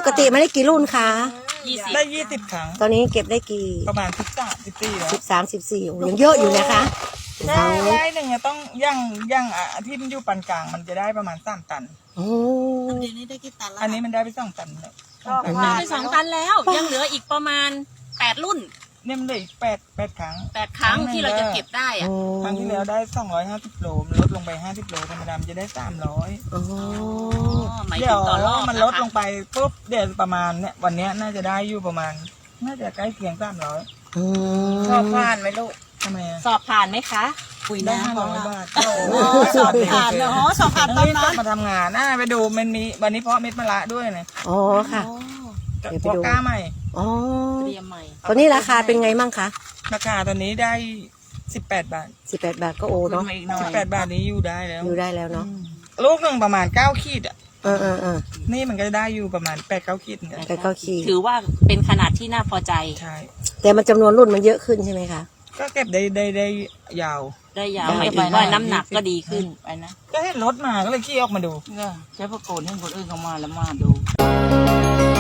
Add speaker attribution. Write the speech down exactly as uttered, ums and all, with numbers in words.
Speaker 1: กติไม่ได้กี่รุ่นคะ
Speaker 2: ได้ยี่สิบครั้ง
Speaker 1: ตอนนี้เก็บได้กี่
Speaker 2: ประมาณสิบสามสิบสี่แล้ว
Speaker 1: สิบสามสิบสี่ยังเยอะอยู่นะคะ
Speaker 2: ได้ได้หนึ่งอะต้องย่างย่างอ่ะที่มันอยู่ปานกลางมันจะได้ประมาณสามตัน
Speaker 1: โอ้
Speaker 3: อันนี้ได้กี่ตันแล้ว
Speaker 2: อันนี้มันได้ไปสองตันเลยสองตัน
Speaker 3: ว้าว
Speaker 4: ไปสองตันแล้วยังเหลืออีกประมาณแปดรุ่น
Speaker 2: เนี่ยมันเหลืออีกแปดแปดครั้ง
Speaker 4: แปดครั้งที่เราจะเก็บได้อะ
Speaker 2: ครั้งที่แล้วได้สองร้อยห้าสิบโลมันลดลงไปห้าสิบโลธรรมดามันจะได้สามร้อย
Speaker 1: โอ้
Speaker 4: หมาย
Speaker 2: เดี๋
Speaker 4: ถึ
Speaker 2: ยว
Speaker 4: งต่อรอบ
Speaker 2: มัน
Speaker 4: นะ
Speaker 2: ลด
Speaker 4: คะ
Speaker 2: ลงไปปุ๊บเดี๋ยวประมาณเนี่ยวันเนี้ยน่าจะได้อยู่ประมาณน่าจะใกล้เคียงสามร้อย
Speaker 1: อืม
Speaker 3: ชอบผ่านไหมลูก
Speaker 2: ทำไมอะ
Speaker 4: สอบผ่านไหมคะ
Speaker 3: ปุ๋ย
Speaker 2: ได้
Speaker 3: น้ำ
Speaker 2: ห้าร้อยบาท
Speaker 3: โอ้สอบผ่านเนาะสอบผ่านตอน
Speaker 2: นี่
Speaker 3: นั้
Speaker 2: ต้อน งมาทำงานน่าไปดูมันมีวันนี้เพาะเม็ดมะระด้วยนะ
Speaker 1: อ๋อค่ะ เดี๋ยวไป
Speaker 2: เพาะ
Speaker 1: ดู
Speaker 2: กล้าใหม่
Speaker 1: อ๋อ
Speaker 3: เตรียมใหม่
Speaker 1: ตอนนี้ราคาเป็นไงมั่งคะ
Speaker 2: ราคาตอนนี้ได้สิบแปดบาท
Speaker 1: สิบแปดบาทก็โอเนาะ
Speaker 3: ขึ้นมาอีกหน่อ
Speaker 2: สิบ
Speaker 3: ย
Speaker 2: แปดบาทนี้อยู่ได้แล้ว
Speaker 1: อยู่ได้แล้วเนาะ
Speaker 2: ลูกหนึ่งประมาณเก้าขีดอ่ะ
Speaker 1: เออเออเออ
Speaker 2: นี่มันก็ได้อยู่ประมาณแปดเก้าขีดเหมือนกัน
Speaker 1: แต่ก็ขี่
Speaker 4: ถือว่าเป็นขนาดที่น่าพอใจ
Speaker 2: ใช่
Speaker 1: แต่มันจำนวนรุ่นมันเยอะขึ้นใช่ไหมคะ
Speaker 2: ก็เก็บได้ได้ได้ยาว
Speaker 4: ได้ยาว
Speaker 3: ได้
Speaker 4: หมายถึงว่าน้ำหนักก็ดีขึ้น
Speaker 3: ไปนะ
Speaker 2: ก็เห็นรถมาก็เลยขี่ออกมาดู
Speaker 3: ใช้ประโกนให้คนอื่นเขามาแล้วมาดู